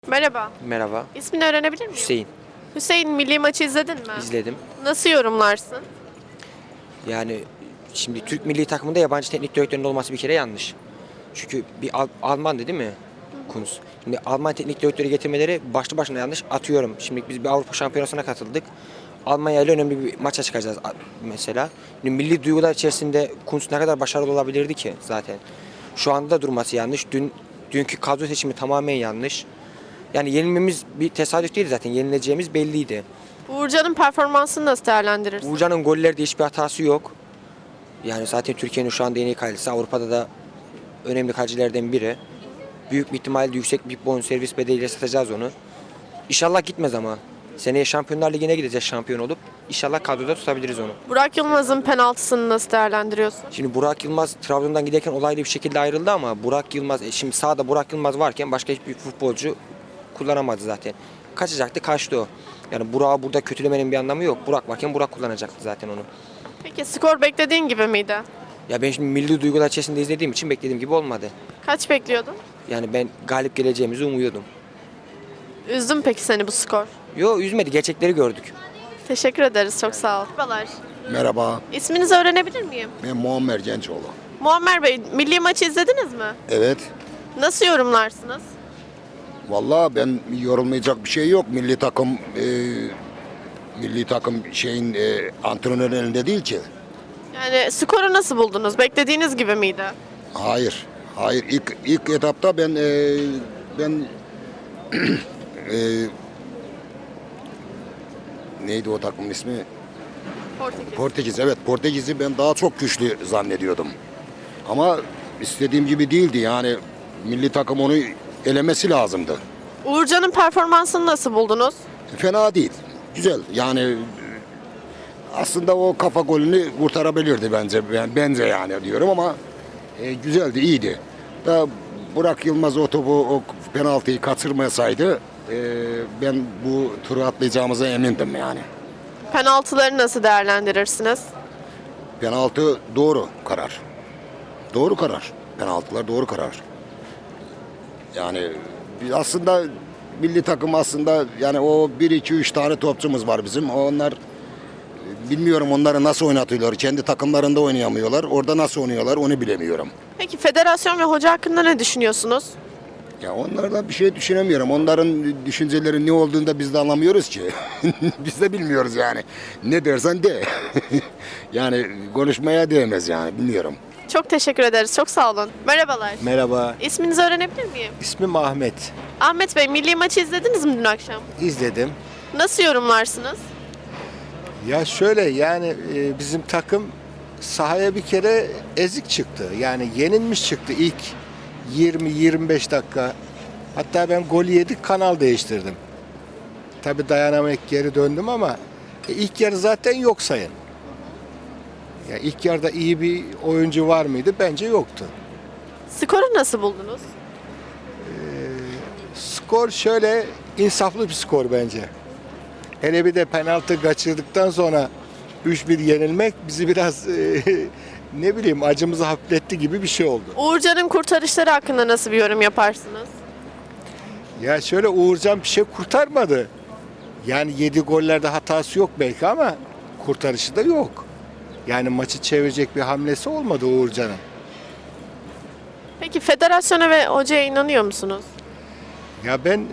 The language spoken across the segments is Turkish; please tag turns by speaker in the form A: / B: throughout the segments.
A: Merhaba.
B: Merhaba.
A: İsmini öğrenebilir miyim?
B: Hüseyin.
A: Hüseyin, milli maçı izledin mi?
B: İzledim.
A: Nasıl yorumlarsın?
B: Yani şimdi Türk milli takımında yabancı teknik direktörün olması bir kere yanlış. Çünkü bir Alman'dı değil mi? Kunz. Şimdi Alman teknik direktörü getirmeleri başlı başına yanlış. Atıyorum. Şimdi biz bir Avrupa Şampiyonası'na katıldık. Almanya ile önemli bir maça çıkacağız mesela. Şimdi milli duygular içerisinde Kunz ne kadar başarılı olabilirdi ki zaten. Şu anda da durması yanlış. Dünkü kadro seçimi tamamen yanlış. Yani yenilmemiz bir tesadüf değil zaten. Yenileceğimiz belliydi.
A: Uğurcan'ın performansını nasıl değerlendirirsin?
B: Uğurcan'ın gollerde hiçbir hatası yok. Yani zaten Türkiye'nin şu anda en iyi kalecisi. Avrupa'da da önemli kalecilerden biri. Büyük bir ihtimalle yüksek bir bonservis bedeliyle satacağız onu. İnşallah gitmez ama. Seneye Şampiyonlar Ligi'ne gideceğiz şampiyon olup. İnşallah kadroda tutabiliriz onu.
A: Burak Yılmaz'ın penaltısını nasıl değerlendiriyorsun?
B: Şimdi Burak Yılmaz Trabzon'dan giderken olaylı bir şekilde ayrıldı ama Burak Yılmaz, şimdi sahada Burak Yılmaz varken başka hiçbir futbolcu kullanamadı zaten. Kaçacaktı, kaçtı o. Yani Burak'ı burada kötülemenin bir anlamı yok. Burak varken Burak kullanacaktı zaten onu.
A: Peki skor beklediğin gibi miydi?
B: Ya ben şimdi milli duygular içerisinde izlediğim için beklediğim gibi olmadı.
A: Kaç bekliyordun?
B: Yani ben galip geleceğimizi umuyordum.
A: Üzdü mü peki seni bu skor?
B: Yo, üzmedi, gerçekleri gördük.
A: Teşekkür ederiz, çok sağ ol. Merhabalar.
C: Merhaba,
A: İsminizi öğrenebilir miyim?
C: ben Muammer Gençoğlu.
A: Muammer Bey, milli maçı izlediniz mi?
C: Evet,
A: Nasıl yorumlarsınız?
C: vallahi ben yorulmayacak bir şey yok. Milli takım şeyin antrenörün elinde değil ki.
A: Yani skoru nasıl buldunuz? Beklediğiniz gibi miydi?
C: Hayır, hayır. İlk etapta ben e, neydi o takımın ismi?
A: Portekiz.
C: Portekiz. Evet, Portekiz'i ben daha çok güçlü zannediyordum. Ama istediğim gibi değildi. Yani milli takım onu elemesi lazımdı.
A: Uğurcan'ın performansını nasıl buldunuz?
C: Fena değil. Güzel. Yani aslında o kafa golünü kurtarabilirdi bence. Bence yani diyorum ama güzeldi, iyiydi. Da Burak Yılmaz o topu, o penaltıyı kaçırmasaydı ben bu turu atlayacağımıza emindim yani.
A: Penaltıları nasıl değerlendirirsiniz?
C: Penaltı doğru karar. Doğru karar. Penaltılar doğru karar. Yani aslında milli takım aslında yani o 1-2-3 tane topçumuz var bizim. Onlar bilmiyorum onları nasıl oynatıyorlar. Kendi takımlarında oynayamıyorlar. Orada nasıl oynuyorlar onu bilemiyorum.
A: Peki federasyon ve hoca hakkında ne düşünüyorsunuz?
C: Ya onlardan bir şey düşünemiyorum. Onların düşünceleri ne olduğunu da biz de anlamıyoruz ki. Biz de bilmiyoruz yani. Ne dersen de. Yani konuşmaya değmez yani bilmiyorum.
A: Çok teşekkür ederiz. Çok sağ olun. Merhabalar.
D: Merhaba,
A: İsminizi öğrenebilir miyim?
D: ismim Ahmet.
A: Ahmet Bey, milli maçı izlediniz mi dün akşam?
D: İzledim.
A: Nasıl yorumlarsınız?
D: Ya şöyle yani bizim takım sahaya bir kere ezik çıktı. Yani yenilmiş çıktı ilk 20-25 dakika. Hatta ben golü yedik kanal değiştirdim. Tabii dayanamayıp geri döndüm ama ilk yarı zaten yok sayın. Ya ilk yarıda iyi bir oyuncu var mıydı? Bence yoktu.
A: Skoru nasıl buldunuz?
D: Skor şöyle insaflı bir skor bence. Hele bir de penaltı kaçırdıktan sonra 3-1 yenilmek bizi biraz ne bileyim acımızı hafifletti gibi bir şey oldu.
A: Uğurcan'ın kurtarışları hakkında nasıl bir yorum yaparsınız?
D: Ya şöyle Uğurcan bir şey kurtarmadı. Yani 7 gollerde hatası yok belki ama kurtarışı da yok. Yani maçı çevirecek bir hamlesi olmadı Uğurcan'ın.
A: Peki federasyona ve hocaya inanıyor musunuz?
D: Ya ben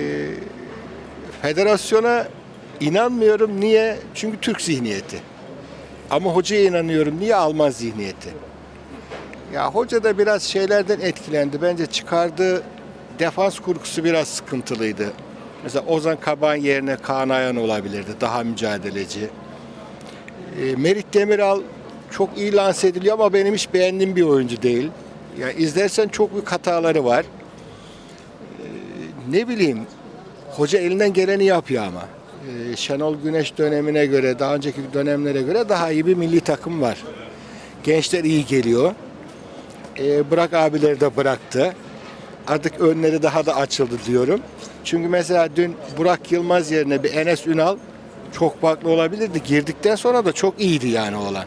D: federasyona inanmıyorum. Niye? Çünkü Türk zihniyeti. Ama hocaya inanıyorum. Niye? Alman zihniyeti. Ya hoca da biraz şeylerden etkilendi. Bence çıkardığı defans kurgusu biraz sıkıntılıydı. Mesela Ozan Kabak'ın yerine Kaan Ayhan olabilirdi. Daha mücadeleci. Merih Demiral çok iyi lanse ediliyor ama benim hiç beğendiğim bir oyuncu değil. Yani izlersen çok büyük hataları var. Ne bileyim, hoca elinden geleni yapıyor ama. Şenol Güneş dönemine göre, daha önceki dönemlere göre daha iyi bir milli takım var. Gençler iyi geliyor. Burak abileri de bıraktı. Artık önleri daha da açıldı diyorum. Çünkü mesela dün Burak Yılmaz yerine bir Enes Ünal çok farklı olabilirdi. Girdikten sonra da çok iyiydi yani oğlan.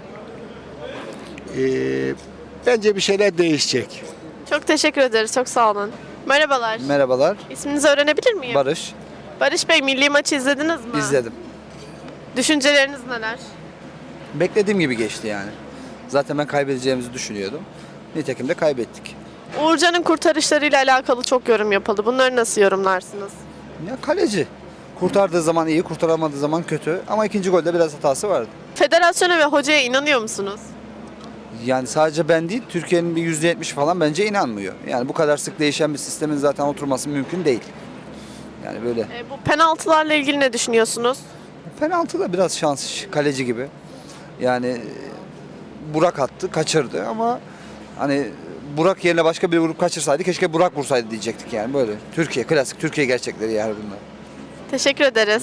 D: Bence bir şeyler değişecek.
A: Çok teşekkür ederiz. Çok sağ olun. Merhabalar.
E: Merhabalar.
A: İsminizi öğrenebilir miyim?
E: Barış.
A: Barış Bey, milli maçı izlediniz mi?
E: İzledim.
A: Düşünceleriniz neler?
E: Beklediğim gibi geçti yani. Zaten ben kaybedeceğimizi düşünüyordum. Nitekim de kaybettik.
A: Uğurcan'ın kurtarışlarıyla alakalı çok yorum yapıldı. Bunları nasıl yorumlarsınız?
E: Ya kaleci. Kurtardığı zaman iyi, kurtaramadığı zaman kötü. Ama ikinci golde biraz hatası vardı.
A: Federasyona ve hocaya inanıyor musunuz?
E: Yani sadece ben değil, Türkiye'nin bir %70 falan bence inanmıyor. Yani bu kadar sık değişen bir sistemin zaten oturması mümkün değil. Yani böyle.
A: Bu penaltılarla ilgili ne düşünüyorsunuz?
E: Penaltı da biraz şans, kaleci gibi. Yani Burak attı, kaçırdı ama hani Burak yerine başka biri vurup kaçırsaydı keşke Burak vursaydı diyecektik yani böyle. Türkiye, klasik Türkiye gerçekleri yani bunlar.
A: Teşekkür ederiz.